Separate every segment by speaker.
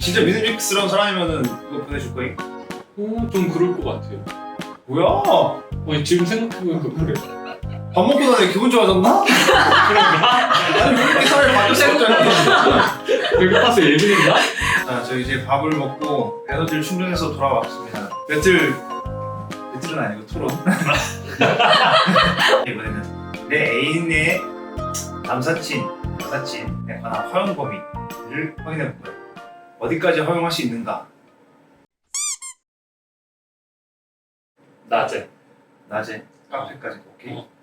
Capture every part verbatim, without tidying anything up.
Speaker 1: 진짜 믿음직스러운 사람이면은 이거 보내줄 거임?
Speaker 2: 어, 좀 그럴 것 같아요.
Speaker 1: 뭐야?
Speaker 2: 아니, 지금 생각해보니까 그래.
Speaker 1: 밥 먹고 나니 기분 좋아졌나?
Speaker 2: 그런가?
Speaker 1: 아니 왜 이렇게 사람이 바뀌었어 갑자기?
Speaker 2: 배고파서 예민했나?
Speaker 1: 자, 저희 이제 밥을 먹고 에너지를 충전해서 돌아왔습니다. 배틀 배틀은 아니고 토론. 이번에는 내 애인의 남사친, 여사친에 관한 허용 범위를 확인해 볼 거예요. 어디까지 허용할 수 있는가?
Speaker 2: 낮에.
Speaker 1: 낮에 카페까지 오케이.
Speaker 2: 어.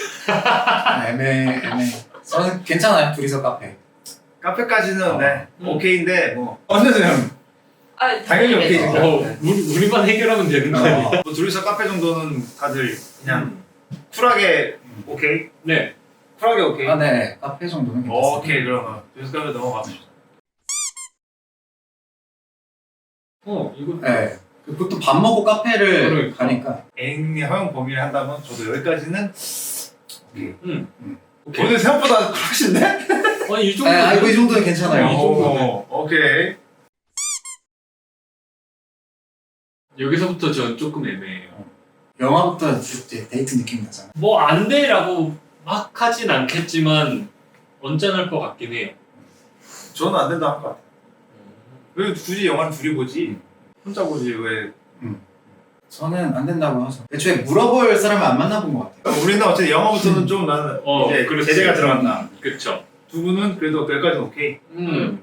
Speaker 3: 애매 애매. 저는 괜찮아요. 둘이서 카페.
Speaker 1: 카페까지는
Speaker 3: 어.
Speaker 1: 네
Speaker 2: 음.
Speaker 1: 오케이인데 뭐 언제든
Speaker 4: 아,
Speaker 1: 당연히 오케이.
Speaker 4: 어.
Speaker 2: 어, 우리, 우리만 해결하면 되는 거 아니야?
Speaker 3: 어.
Speaker 1: 뭐 둘이서 카페 정도는 다들 그냥
Speaker 2: 음.
Speaker 1: 쿨하게 오케이.
Speaker 2: 네.
Speaker 1: 쿨하게 오케이.
Speaker 3: 아, 네. 카페 정도는 괜찮습니다.
Speaker 1: 오케이 그러면 둘이서 카페 넘어갑시다.
Speaker 2: 어, 이거.
Speaker 3: 네. 보통 밥 먹고 카페를
Speaker 2: 그러니까.
Speaker 3: 가니까.
Speaker 1: 애인이 허용 범위를 한다면 저도 여기까지는 오케이.
Speaker 2: 응.
Speaker 3: 음.
Speaker 2: 오케이.
Speaker 1: 오늘 생각보다 쿨하신데?
Speaker 2: 아니, 이
Speaker 3: 네,
Speaker 2: 정도.
Speaker 3: 아, 이거 이 정도는 괜찮아요.
Speaker 2: 이 정도는.
Speaker 1: 오, 오케이.
Speaker 2: 여기서부터 전 조금 애매해요.
Speaker 3: 영화부터 이제 데이트 느낌 나잖아.
Speaker 2: 뭐 안 돼라고 막 하진 않겠지만 언짢을 것 같긴 해요.
Speaker 1: 저는 안 된다 할 것 같아요. 왜 굳이 영화를 둘이 보지? 혼자 보지 왜?
Speaker 3: 저는 안 된다고 하죠. 애초에 물어볼 사람을 안 만나본 것 같아요.
Speaker 1: 우리는 어쨌든 영화부터는 좀 나는
Speaker 2: 어,
Speaker 1: 이제
Speaker 2: 그렇지.
Speaker 1: 제재가 들어간다.
Speaker 2: 그쵸.
Speaker 1: 두 분은 그래도 여기까지는 오케이.
Speaker 2: 음.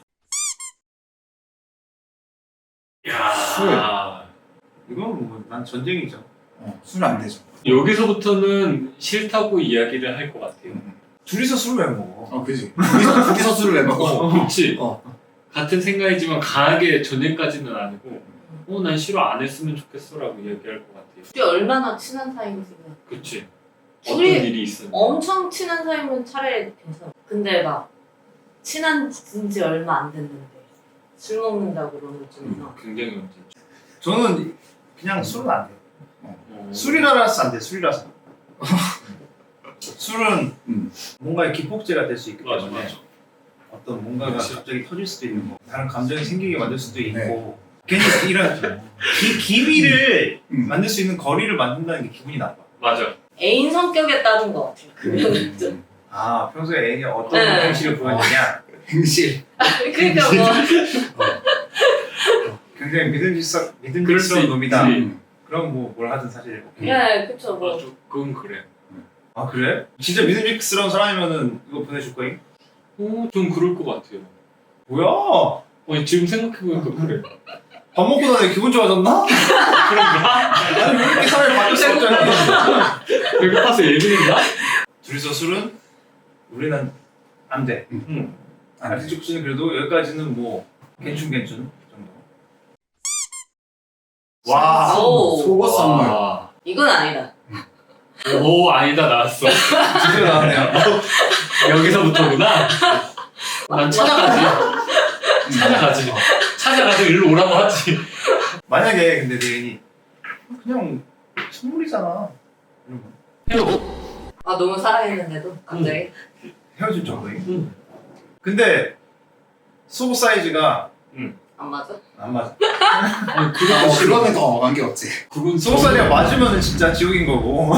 Speaker 3: 술.
Speaker 2: 야.
Speaker 1: 이건 뭐 난 전쟁이죠.
Speaker 3: 어, 술 안 되죠.
Speaker 2: 여기서부터는 싫다고 이야기를 할 것 같아요.
Speaker 1: 둘이서 술을 왜 먹어?
Speaker 3: 어, 그지. 둘이서, 둘이서 술을 왜 먹어?
Speaker 2: 어, 그렇지.
Speaker 3: 어.
Speaker 2: 같은 생각이지만 강하게 전쟁까지는 아니고, 어, 난 싫어 안 했으면 좋겠어라고 이야기할 것 같아요.
Speaker 4: 둘이 얼마나 친한 사이인지.
Speaker 2: 그렇지. 어떤
Speaker 4: 둘이
Speaker 2: 일이 있으면.
Speaker 4: 엄청 친한 사이면 차라리 괜찮아. 근데 막 친한 지 얼마 안 됐는데 술 먹는다고 그러면 좀
Speaker 3: 음.
Speaker 4: 이상.
Speaker 2: 굉장히 문제죠.
Speaker 1: 저는 그냥 술은 안 돼.
Speaker 2: 어.
Speaker 1: 술이라서 안 돼. 술이라서. 술은
Speaker 3: 음.
Speaker 1: 뭔가의 기폭제가 될 수 있기
Speaker 2: 맞아,
Speaker 1: 때문에
Speaker 2: 맞아.
Speaker 1: 어떤 뭔가가
Speaker 2: 그치.
Speaker 1: 갑자기 터질 수도 있는 거, 다른 감정이 생기게 만들 수도 있고
Speaker 3: 네.
Speaker 1: 괜히 이런 기, 기미를
Speaker 3: 음.
Speaker 1: 만들 수 있는 거리를 만든다는 게 기분이 나빠.
Speaker 2: 맞아.
Speaker 4: 애인 성격에 따른 것 같아요. 그러면 좀.
Speaker 3: 음.
Speaker 1: 아 평소에 애인이 어떤
Speaker 4: 네.
Speaker 1: 행실을 보여주냐
Speaker 3: 행실.
Speaker 4: 그러니까 뭐
Speaker 1: 굉장히 믿음직스러,
Speaker 2: 그럴 수
Speaker 1: 믿음직스러운
Speaker 2: 있지.
Speaker 1: 놈이다.
Speaker 3: 음.
Speaker 1: 그럼 뭐 뭘 하든 사실 오케이.
Speaker 4: 네, 그쵸 뭐.
Speaker 2: 맞아. 그건 그래.
Speaker 1: 아 그래? 진짜 믿음직스러운 사람이면은 이거 보내줄 거임?
Speaker 2: 어, 좀 그럴 것 같아요.
Speaker 1: 뭐야?
Speaker 2: 아니, 지금 생각해보니까 그래.
Speaker 1: 밥 먹고 나니 기분 좋아졌나?
Speaker 2: 그런가?
Speaker 1: 아니 왜 이렇게 사람이 바뀌었어 갑자기?
Speaker 2: 배고파서 예민했나?
Speaker 1: 둘이서 술은 우리는 안 돼.
Speaker 2: 응.
Speaker 3: 안 돼.
Speaker 1: 아티쪽지는 그래도 여기까지는 뭐 괜춘 괜춘 정도. 와.
Speaker 4: 오.
Speaker 3: 속옷 선물.
Speaker 2: 와.
Speaker 4: 이건 아니다.
Speaker 2: 오, 아니다, 나왔어.
Speaker 1: 드디어 나왔네요.
Speaker 2: 여기서부터구나. 난 찾아가지. 찾아가지. 찾아가서 일로 오라고 하지.
Speaker 1: 만약에 근데 내 애인이 그냥 선물이잖아. 이러면
Speaker 2: 헤어.
Speaker 4: 아 너무 사랑했는데도 갑자기.
Speaker 1: 헤어질 정도임.
Speaker 2: 응.
Speaker 1: 근데 속옷 사이즈가
Speaker 4: 안 맞아?
Speaker 1: 안 맞아.
Speaker 2: 아니,
Speaker 3: 어,
Speaker 2: 그건 싫어.
Speaker 3: 그거는 더 관계없지.
Speaker 2: 그건
Speaker 1: 속옷 사이즈가 맞으면 진짜 지옥인 거고.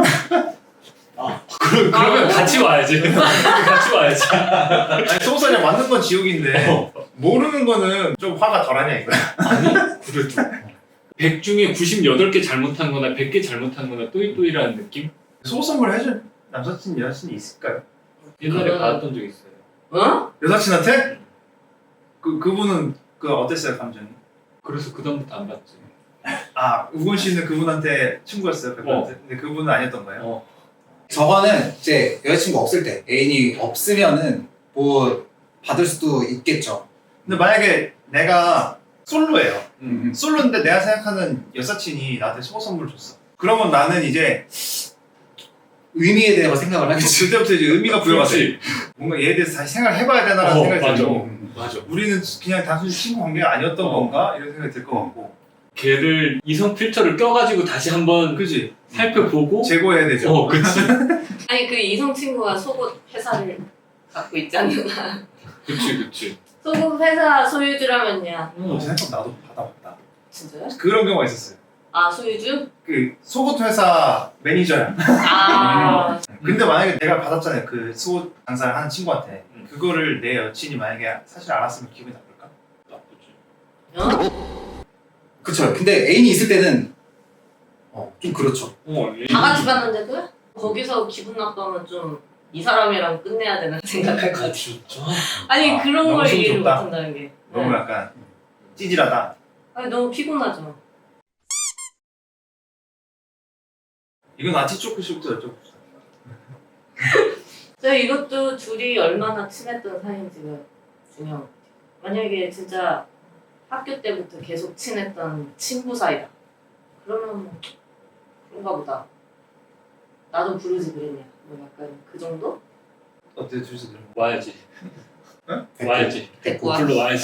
Speaker 2: 그, 그러면 같이 와야지. 같이 와야지.
Speaker 1: 아니 속옷 사이즈가 맞는 건 지옥인데
Speaker 2: 어.
Speaker 1: 모르는 거는 좀 화가 덜하냐 이거야.
Speaker 2: 아니, 그래도. 백 중에 구십팔 개 잘못한 거나 백 개 잘못한 거나 또이또이라는 느낌?
Speaker 1: 속옷 선물 해준 남사친 여사친이 있을까요?
Speaker 2: 옛날에
Speaker 4: 그거는-
Speaker 2: 받았던 적 있어요.
Speaker 4: 어?
Speaker 1: 여사친한테? 그 그분은 그 어땠어요 감정이?
Speaker 2: 그래서 그다음부터 안 받지.
Speaker 1: 아 우건 씨는 그분한테 친구였어요 백분한테. 근데 그분은 아니었던 거예요?
Speaker 2: 어.
Speaker 3: 저거는 이제 여자친구 없을 때 애인이 없으면은 뭐 받을 수도 있겠죠.
Speaker 1: 근데 만약에 내가 솔로예요.
Speaker 3: 음.
Speaker 1: 솔로인데 내가 생각하는 여사친이 나한테 속옷 선물 줬어. 그러면 나는 이제
Speaker 3: 의미에 대해서 생각을 하겠지.
Speaker 1: 그때부터 이제 의미가 부여가 돼.
Speaker 2: 그렇지.
Speaker 1: 뭔가 얘에 대해서 다시 생각을 해봐야 되나라는
Speaker 2: 어,
Speaker 1: 생각이
Speaker 2: 맞아.
Speaker 1: 들고
Speaker 3: 음.
Speaker 2: 맞아.
Speaker 1: 우리는 그냥 단순히 친구 관계가 아니었던
Speaker 2: 어.
Speaker 1: 건가? 이런 생각이 들 것 같고.
Speaker 2: 걔를 이성 필터를 껴가지고 다시 한번
Speaker 1: 그지?
Speaker 2: 살펴보고.
Speaker 1: 제거해야 되죠.
Speaker 2: 어, 그치.
Speaker 4: 아니 그 이성 친구가 속옷 회사를 갖고 있지 않나?
Speaker 2: 그치, 그치.
Speaker 4: 소금 회사 소유주라면요.
Speaker 2: 어,
Speaker 1: 생각 나도 받아봤다.
Speaker 4: 진짜요?
Speaker 1: 그런 경우가 있었어요.
Speaker 4: 아 소유주?
Speaker 1: 그 속옷 회사 매니저야.
Speaker 4: 아
Speaker 1: 근데 만약에 내가 받았잖아요. 그 속옷 장사를 하는 친구한테
Speaker 2: 음.
Speaker 1: 그거를 내 여친이 만약에 사실 알았으면 기분이 나쁠까?
Speaker 2: 나쁘지.
Speaker 4: 어?
Speaker 3: 그쵸. 근데 애인이 있을 때는 어, 좀 그렇죠.
Speaker 2: 어,
Speaker 4: 다 같이 봤는데도요? 거기서 기분 나쁘면 좀 이 사람이랑 끝내야 되나 생각할 것 같아.
Speaker 2: 진짜?
Speaker 4: 아니
Speaker 1: 아,
Speaker 4: 그런
Speaker 1: 너무
Speaker 4: 걸
Speaker 1: 좀
Speaker 4: 이해를
Speaker 1: 좁다.
Speaker 4: 못한다는 게.
Speaker 1: 너무
Speaker 4: 네.
Speaker 1: 약간 찌질하다.
Speaker 4: 아니 너무 피곤하죠.
Speaker 1: 이건 아티초크 씨부터 여쭤봅시다.
Speaker 4: 저 이것도 둘이 얼마나 친했던 사이인지가 중요한 것 같아요. 만약에 진짜 학교 때부터 계속 친했던 친구 사이다. 그러면 뭐 그런가 보다. 나도 부르지 그랬냐. 뭐 약간 그 정도?
Speaker 1: 어때 주시 들어?
Speaker 2: 와야지.
Speaker 1: 응?
Speaker 2: 와야지.
Speaker 4: 데리고 와.
Speaker 2: 불러 와야지.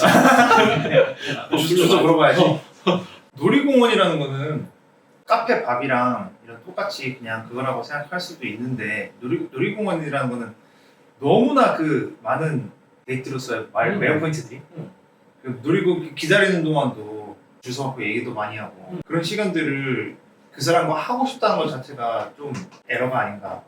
Speaker 1: 주소 물어봐야지. 놀이공원이라는 거는 카페 밥이랑 이런 똑같이 그냥 그거라고 생각할 수도 있는데 놀이 놀이공원이라는 거는 너무나 그 많은 데이트로서의 말
Speaker 2: 음.
Speaker 1: 매력 포인트들이
Speaker 2: 음.
Speaker 1: 그 놀이공원 기다리는 동안도 주소 갖고 얘기도 많이 하고
Speaker 2: 음.
Speaker 1: 그런 시간들을 그 사람과 하고 싶다는 것 자체가 좀 에러가 아닌가.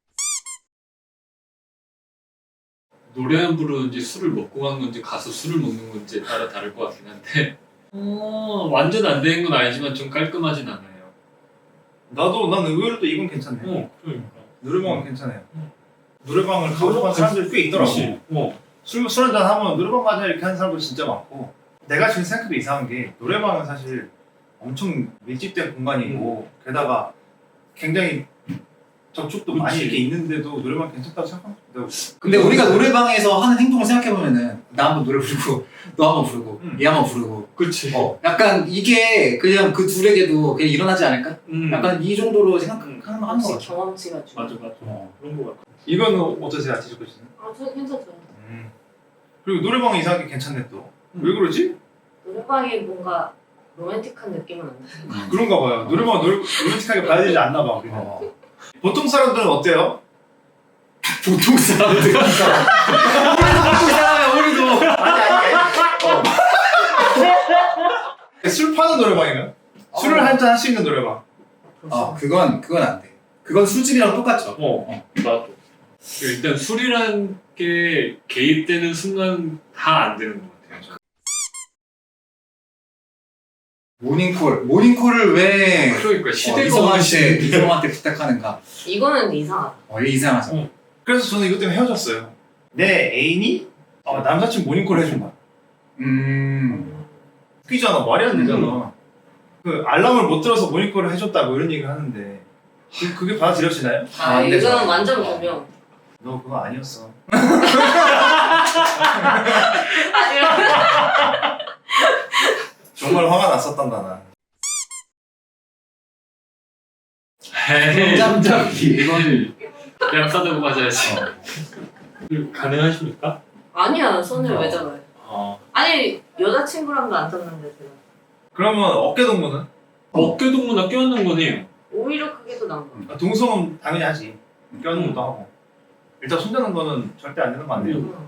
Speaker 2: 노래만 부르는지 술을 먹고 간 건지 가서 술을 먹는 건지에 따라 다를 것 같긴 한데 어, 완전 안 되는 건 아니지만 좀 깔끔하진 않아요.
Speaker 1: 나도 난 의외로 또 이건 괜찮네.
Speaker 2: 어, 그러니까.
Speaker 1: 노래방은 괜찮아요.
Speaker 2: 음.
Speaker 1: 노래방을 가고 싶은 사람들이 꽤 있더라고.
Speaker 2: 그치. 어.
Speaker 1: 술, 술 한잔 하면 노래방 가자 이렇게 하는 사람도 진짜 많고 내가 지금 생각해도 이상한 게 노래방은 사실 엄청 밀집된 공간이고 게다가 굉장히 접촉도 많이
Speaker 2: 그치.
Speaker 1: 이렇게 있는데도 노래방 괜찮다고 생각합니다.
Speaker 3: 근데 우리가 노래방에서 하는 행동을 생각해보면은 나 한번 노래 부르고 너 한번 부르고
Speaker 1: 음.
Speaker 3: 얘 한번 부르고
Speaker 2: 그치.
Speaker 3: 어 약간 이게 그냥 그 둘에게도 그냥 일어나지 않을까?
Speaker 2: 음.
Speaker 3: 약간 이 정도로 생각하는 거 하는 거
Speaker 4: 혹시
Speaker 3: 같아.
Speaker 4: 경험치가 중요.
Speaker 2: 맞아 맞아.
Speaker 3: 어.
Speaker 2: 그런 거 같아.
Speaker 1: 이거는 어떠세요? 아티즈코 씨는?
Speaker 4: 아, 저 괜찮죠.
Speaker 1: 음. 그리고 노래방은 이상하게 괜찮네 또.
Speaker 2: 음.
Speaker 1: 왜 그러지?
Speaker 4: 노래방이 뭔가 로맨틱한 느낌은 안 나요.
Speaker 1: 그런가 봐요. 노래방 노래, 로맨틱하게 봐야 되지 않나 봐 우리는.
Speaker 3: 어.
Speaker 1: 보통 사람들은 어때요?
Speaker 3: 보통 사람들 보통 사람이야 우리도
Speaker 1: 아니 아니 아니. 술 파는 노래방인가요? 술을
Speaker 3: 어.
Speaker 1: 한잔 할 수 있는 노래방.
Speaker 3: 어 그건 그건 안 돼. 그건 술집이랑 똑같죠.
Speaker 2: 어, 나도. 일단 술이란 게 개입되는 순간 다 안 되는 것 같아요.
Speaker 3: 모닝콜 모닝콜을 왜
Speaker 2: 그러니까
Speaker 3: 어,
Speaker 2: 시대가 어느
Speaker 3: 이성한테
Speaker 2: 시대.
Speaker 3: 이성한테 부탁하는가?
Speaker 4: 이거는 이상하다.
Speaker 3: 어 이게 이상하죠.
Speaker 1: 그래서 저는 이것 때문에 헤어졌어요. 내 애인이 어, 남사친 모닝콜 해준 거야.
Speaker 3: 음.
Speaker 1: 웃기잖아. 말이 안 되잖아. 그 알람을 못 들어서 모닝콜을 해줬다고 이런 얘기를 하는데 그, 그게 받아들여지나요?
Speaker 3: 아,
Speaker 4: 아,
Speaker 3: 안 되죠.
Speaker 4: 이거는 완전 변명.
Speaker 1: 너 그거 아니었어.
Speaker 4: 아니요.
Speaker 1: 정말 화가 났었단다 나.
Speaker 2: 에이,
Speaker 3: 짬짬이.
Speaker 2: 이건 뺨 싸대고 맞아야지.
Speaker 3: 어.
Speaker 2: 가능하십니까?
Speaker 4: 아니야, 손을
Speaker 3: 어.
Speaker 4: 왜 잡아요?
Speaker 2: 어.
Speaker 4: 아니, 여자친구랑도 안 잤는데 제가.
Speaker 1: 그러면 어깨 동무는?
Speaker 2: 어깨 동무나 껴안는 거네요.
Speaker 4: 오히려 그게 더 나은 거 같아.
Speaker 1: 아, 동성은 당연히 하지. 껴안는 것도 하고. 일단 손잡는 거는 절대 안 되는 거 아니에요?
Speaker 2: 음.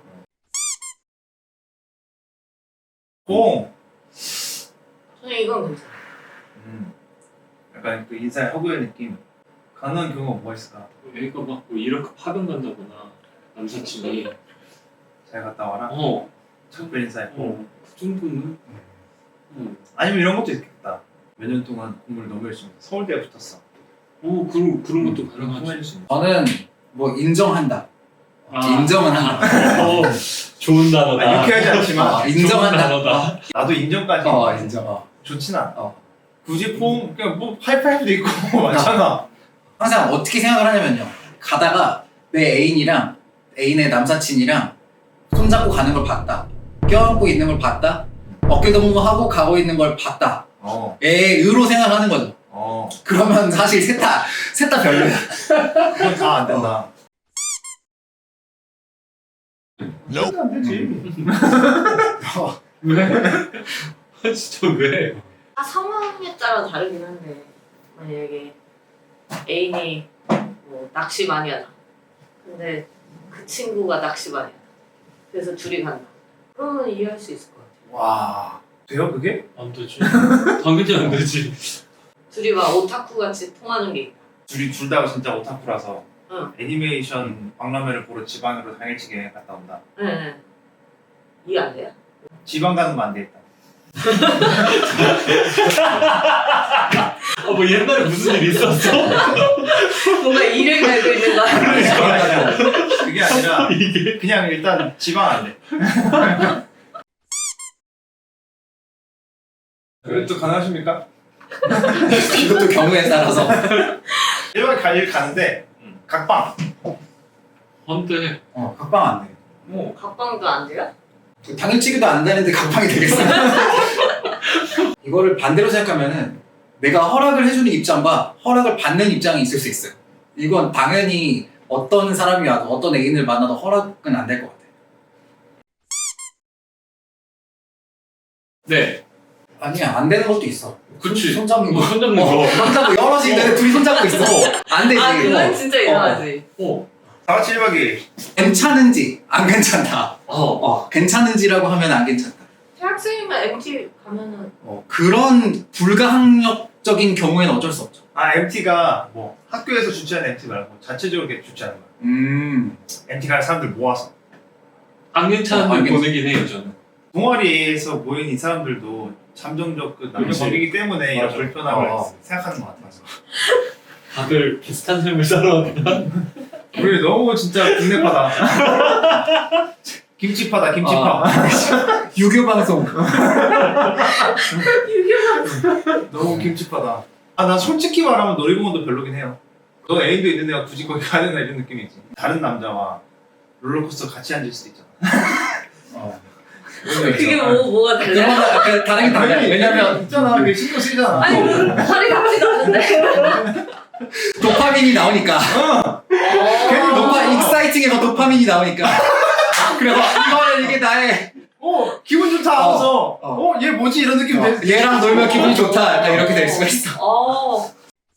Speaker 1: 공.
Speaker 4: 저는 이건 괜찮아.
Speaker 1: 음. 약간 그 인사의 허구의 느낌. 가능한 경우가 뭐가 있을까?
Speaker 2: 애가 막뭐 이렇게 파병 간다거나 남사친이
Speaker 1: 잘 갔다 와라.
Speaker 2: 어,
Speaker 1: 작별 인사해.
Speaker 2: 어, 그 정도는 음.
Speaker 1: 아니면 이런 것도 있겠다. 몇 년 동안 공부를 너무 열심히 해서 서울대에 붙었어.
Speaker 2: 어, 그런 그런 것도
Speaker 1: 그런 거
Speaker 2: 가능하지.
Speaker 1: 통해줄 수 있는.
Speaker 3: 저는 뭐 인정한다.
Speaker 2: 아.
Speaker 3: 인정은 한다.
Speaker 2: 어, 좋은
Speaker 1: 아,
Speaker 2: 단어다.
Speaker 1: 유쾌하지 않지만
Speaker 3: 어, 인정한다.
Speaker 2: 좋은 단어다.
Speaker 1: 나도 인정까지
Speaker 3: 어 인정. 어.
Speaker 1: 좋진 않아.
Speaker 3: 어.
Speaker 1: 굳이 폼 그냥 뭐 하이파이브도 있고 많잖아.
Speaker 3: 항상 어떻게 생각을 하냐면요. 가다가 내 애인이랑 애인의 남사친이랑 손잡고 가는 걸 봤다. 껴안고 있는 걸 봤다. 어깨 동무하고 가고 있는 걸 봤다.
Speaker 1: 어,
Speaker 3: 애의로 생각하는 거죠.
Speaker 1: 어,
Speaker 3: 그러면 사실 셋 다 셋 다 별로야.
Speaker 1: 그건 다 안 된다. 절대 안 되지.
Speaker 2: 왜? 진짜 왜?
Speaker 4: 아, 상황에 따라 다르긴 한데 만약에 애인이 뭐 낚시 많이 하다. 근데 그 친구가 낚시 많이 하다. 그래서 둘이 간다. 그러면 이해할 수 있을 것 같아.
Speaker 1: 와 돼요 그게?
Speaker 2: 안 되지. 당연히 안 되지.
Speaker 4: 둘이 막 오타쿠 같이 통하는 게 있다.
Speaker 1: 둘이 둘 다 진짜 오타쿠라서
Speaker 4: 응.
Speaker 1: 애니메이션 박람회를 보러 지방으로 당일치기 갔다 온다.
Speaker 4: 네. 이해 안 돼요?
Speaker 1: 지방 가는 거 안 되겠다.
Speaker 2: 어, 뭐 옛날에 무슨 일 있었어?
Speaker 4: 뭔가 일을 갈고 있는 거 아니야?
Speaker 1: 그게 아니라 그냥 일단 지방 안 돼. 그래도 가능하십니까?
Speaker 3: 이것도 경우에 따라서.
Speaker 1: 일반 갈 가는데 각방.
Speaker 2: 한데
Speaker 3: 어, 각방 안 돼.
Speaker 1: 뭐
Speaker 4: 각방도 안 돼요?
Speaker 3: 당일치기도 안 되는데 각방이 되겠어. 이거를 반대로 생각하면은 내가 허락을 해주는 입장과 허락을 받는 입장이 있을 수 있어요. 이건 당연히 어떤 사람이 와도 어떤 애인을 만나도 허락은 안 될 것 같아.
Speaker 2: 네.
Speaker 3: 아니야, 안 되는 것도 있어.
Speaker 2: 그치.
Speaker 3: 손잡는 거.
Speaker 2: 뭐 손잡는
Speaker 3: 어,
Speaker 2: 거.
Speaker 3: 손잡고 여럿이 있는데 둘이 손잡고 있어. 안 되지.
Speaker 4: 아 그건
Speaker 3: 어.
Speaker 4: 진짜 이상하지.
Speaker 2: 어.
Speaker 1: 사과 칠박이
Speaker 3: 괜찮은지 안 괜찮다.
Speaker 2: 어.
Speaker 3: 어, 괜찮은지라고 하면 안 괜찮다.
Speaker 4: 대학생이면 엠티 가면은
Speaker 3: 어, 그런 불가항력적인 경우에는 어쩔 수 없죠.
Speaker 1: 아 엠티가 뭐 학교에서 주최하는 엠티 말고 자체적으로 이렇게 주최하는 거야.
Speaker 3: 음.
Speaker 1: 엠티 갈 사람들 모아서
Speaker 2: 안 괜찮은데
Speaker 3: 어, 안 괜찮-
Speaker 2: 보내긴 해요 저는.
Speaker 1: 동아리에서 모인 이 사람들도 잠정적 그 남녀
Speaker 2: 그렇지.
Speaker 1: 관계이기 때문에 이런
Speaker 2: 맞아.
Speaker 1: 불편함을
Speaker 3: 어.
Speaker 1: 생각하는 것 같아서.
Speaker 2: 다들 비슷한 삶을 살아왔나?
Speaker 1: 우리 너무 진짜 국내파다. 김치파다 김치파.
Speaker 3: 유교 방송.
Speaker 1: 너무 김치파다. 아 나 솔직히 말하면 놀이공원도 별로긴 해요. 너 애인도 있는 애가 굳이 거기 가야 되나 이런 느낌이지. 다른 남자와 롤러코스터 같이 앉을 수도 있잖아.
Speaker 3: 어.
Speaker 4: 그게 뭐 뭐가 달라?
Speaker 3: 그러면 그 다른 게 달라요. 왜냐면
Speaker 1: 있잖아. 그게 신경 쓰이잖아.
Speaker 4: 아니 그 살이 같지도 않은데.
Speaker 3: 도파민이 나오니까. 괜히
Speaker 4: 어.
Speaker 3: 도파 익사이팅해서 도파민이 나오니까. 그래서 이거는 이게 나의
Speaker 1: 어 기분 좋다 하면서
Speaker 3: 어.
Speaker 1: 어얘 뭐지 이런 느낌.
Speaker 3: 어, 얘랑 놀면 기분이 좋다. 약간 이렇게 될 수가 있어.
Speaker 4: 어.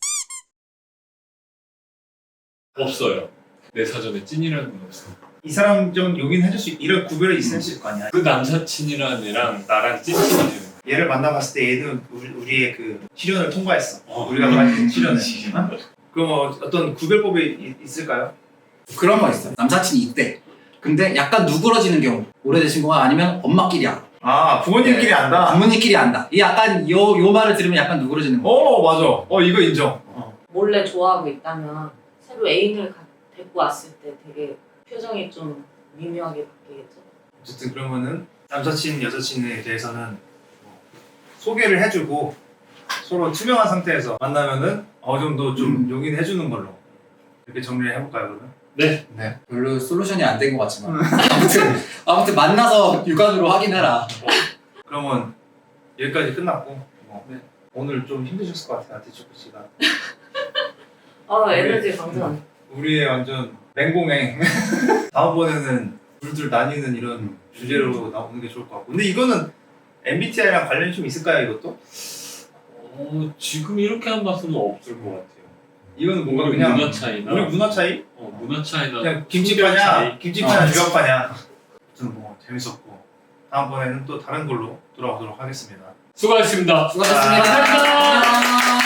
Speaker 2: 없어요. 내 사전에 찐이라는 건 없어.
Speaker 1: 이 사람 좀 용인해줄 수 있, 이런 구별이 있을 거 아니야.
Speaker 2: 그 남사친이라는 애랑 나랑 찐친이 되는 거야.
Speaker 1: 얘를 만나봤을 때 얘는 우리, 우리의 그 시련을 통과했어.
Speaker 2: 어.
Speaker 1: 우리가 말한 시련을. 어? 그럼 어, 어떤 구별법이 이- 있을까요?
Speaker 3: 그런 거 있어. 남사친이 있대. 근데 약간 누그러지는 경우. 오래된 친구가 아니면 엄마끼리 알아.
Speaker 1: 아 부모님끼리 안다.
Speaker 3: 부모님끼리 안다. 이 약간 요, 요 말을 들으면 약간 누그러지는 거.
Speaker 1: 어 맞아. 어 이거 인정.
Speaker 4: 몰래 좋아하고 있다면 새로 애인을 가, 데리고 왔을 때 되게 표정이 좀 미묘하게 바뀌겠죠.
Speaker 1: 어쨌든 그러면은 남사친 여사친에 대해서는 뭐 소개를 해주고 서로 투명한 상태에서 만나면은 어느 정도 좀
Speaker 3: 음.
Speaker 1: 용인해주는 걸로 이렇게 정리를 해볼까요 그러면?
Speaker 2: 네.
Speaker 3: 네. 별로 솔루션이 안 된 것 같지만. 아무튼, 아무튼 만나서 육안으로 확인해라.
Speaker 1: 그러면 여기까지 끝났고 뭐
Speaker 2: 네.
Speaker 1: 오늘 좀 힘드셨을 것 같아요 아티초코 씨가.
Speaker 4: 아 에너지 강전.
Speaker 1: 우리의 완전 맹공행. 다음번에는 둘둘 나뉘는 이런 주제로 나오는 게 좋을 것 같고. 근데 이거는 엠비티아이랑 관련이 좀 있을까요 이것도?
Speaker 2: 어, 지금 이렇게 한 맛은 없을 것 같아요.
Speaker 1: 이거는 뭔가
Speaker 2: 우리
Speaker 1: 그냥
Speaker 2: 문화 차이나
Speaker 1: 우리 문화 차이?
Speaker 2: 어, 문화 차이나
Speaker 1: 그냥
Speaker 2: 성별
Speaker 1: 김치파냐
Speaker 2: 차이.
Speaker 1: 김치파냐
Speaker 3: 어.
Speaker 1: 유학파냐. 아무튼 뭐 재밌었고 다음번에는 또 다른 걸로 돌아오도록 하겠습니다.
Speaker 2: 수고하셨습니다.
Speaker 3: 수고하셨습니다.
Speaker 1: 아.
Speaker 3: 안녕.